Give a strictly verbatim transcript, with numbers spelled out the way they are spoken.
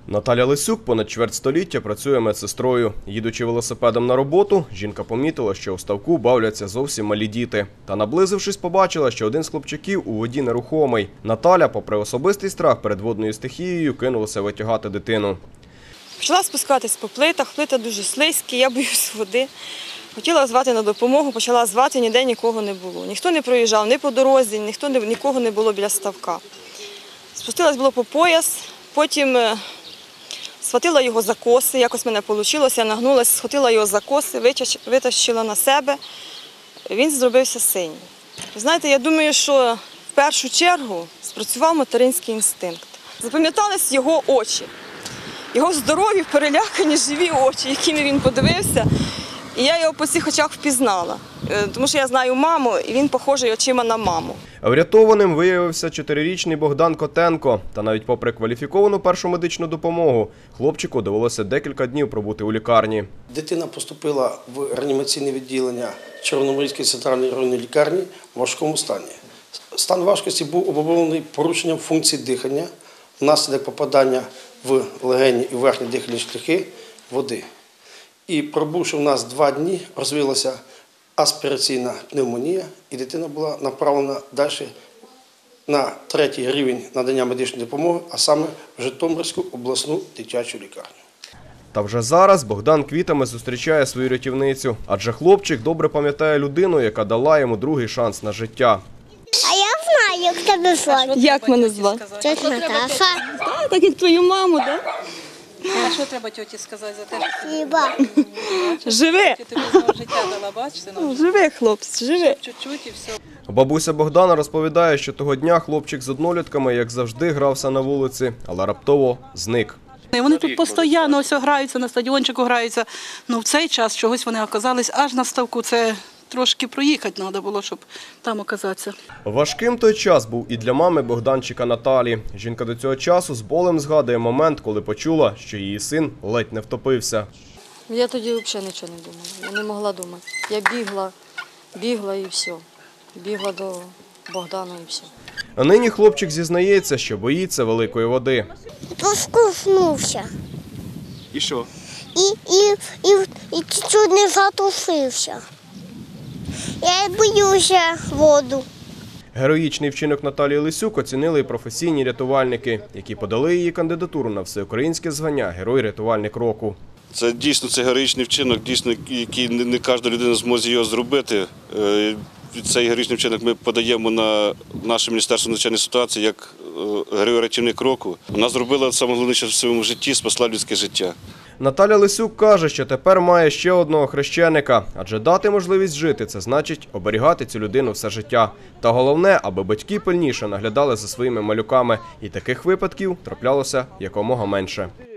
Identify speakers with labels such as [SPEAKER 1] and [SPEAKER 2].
[SPEAKER 1] Наталя Лисюк понад чверть століття працює медсестрою. Їдучи велосипедом на роботу, жінка помітила, що у ставку бавляться зовсім малі діти. Та наблизившись, побачила, що один з хлопчиків у воді нерухомий. Наталя, попри особистий страх перед водною стихією, кинулася витягати дитину.
[SPEAKER 2] Почала спускатись по плитах, плита дуже слизькі, я боюсь води. Хотіла звати на допомогу, почала звати, ніде нікого не було. Ніхто не проїжджав, ні по дорозі, ніхто не, нікого не було біля ставка. Спустилась було по пояс, потім схватила його за коси, якось в мене вийшло, я нагнулася, схватила його за коси, витащила на себе, він зробився синій. Ви знаєте, я думаю, що в першу чергу спрацював материнський інстинкт. Запам'ятались його очі, його здорові, перелякані, живі очі, якими він подивився. І я його по цих очах впізнала, тому що я знаю маму, і він похожий очима на маму.
[SPEAKER 1] Врятованим виявився чотирирічний Богдан Котенко. Та навіть попри кваліфіковану першу медичну допомогу, хлопчику довелося декілька днів пробути у лікарні.
[SPEAKER 3] Дитина поступила в реанімаційне відділення Червономорської центральної районної лікарні в важкому стані. Стан важкості був обумовлений порушенням функцій дихання внаслідок попадання в легені і верхні дихальні шляхи води. І пробувши в нас два дні, розвилася аспіраційна пневмонія, і дитина була направлена далі на третій рівень надання медичної допомоги, а саме в Житомирську обласну дитячу лікарню.
[SPEAKER 1] Та вже зараз Богдан квітами зустрічає свою рятівницю, адже хлопчик добре пам'ятає людину, яка дала йому другий шанс на життя.
[SPEAKER 4] А я знаю, як тебе звати.
[SPEAKER 2] Як мене звати?
[SPEAKER 4] Тетя Наташа.
[SPEAKER 2] А, так як твою маму, так?
[SPEAKER 5] А що треба тьоті сказати за те, що
[SPEAKER 4] Хіба.
[SPEAKER 2] Живи!
[SPEAKER 5] ти тобі знову життя дала, бачите? Ну,
[SPEAKER 2] Живи, хлопці, живи.
[SPEAKER 5] чуть-чуть і все.
[SPEAKER 1] Бабуся Богдана розповідає, що того дня хлопчик з однолітками, як завжди, грався на вулиці, але раптово зник.
[SPEAKER 5] Вони тут постійно ось граються, на стадіончику граються. Ну в цей час чогось вони оказались аж на ставку. Це трошки проїхати треба було, щоб там оказатися.
[SPEAKER 1] Важким той час був і для мами Богданчика Наталі. Жінка до цього часу з болем згадує момент, коли почула, що її син ледь не втопився.
[SPEAKER 6] Я тоді взагалі нічого не думала, я не могла думати. Я бігла, бігла і все. Бігла до Богдана і все.
[SPEAKER 1] А нині хлопчик зізнається, що боїться великої води.
[SPEAKER 4] Поскуснувся.
[SPEAKER 1] І що?
[SPEAKER 4] І, і, і, і чуть не затушився. Я боюся воду.
[SPEAKER 1] Героїчний вчинок Наталії Лисюк оцінили і професійні рятувальники, які подали її кандидатуру на всеукраїнське звання «Герой-рятувальник року».
[SPEAKER 7] Це дійсно це героїчний вчинок, дійсно, який не, не кожна людина зможе його зробити. Цей героїчний вчинок ми подаємо на наше Міністерство надзвичайних ситуацій як герой-рятівник року. Вона зробила найголовніше в своєму житті, спасла людське життя.
[SPEAKER 1] Наталя Лисюк каже, що тепер має ще одного хрещеника, адже дати можливість жити – це значить оберігати цю людину все життя. Та головне, аби батьки пильніше наглядали за своїми малюками, і таких випадків траплялося якомога менше.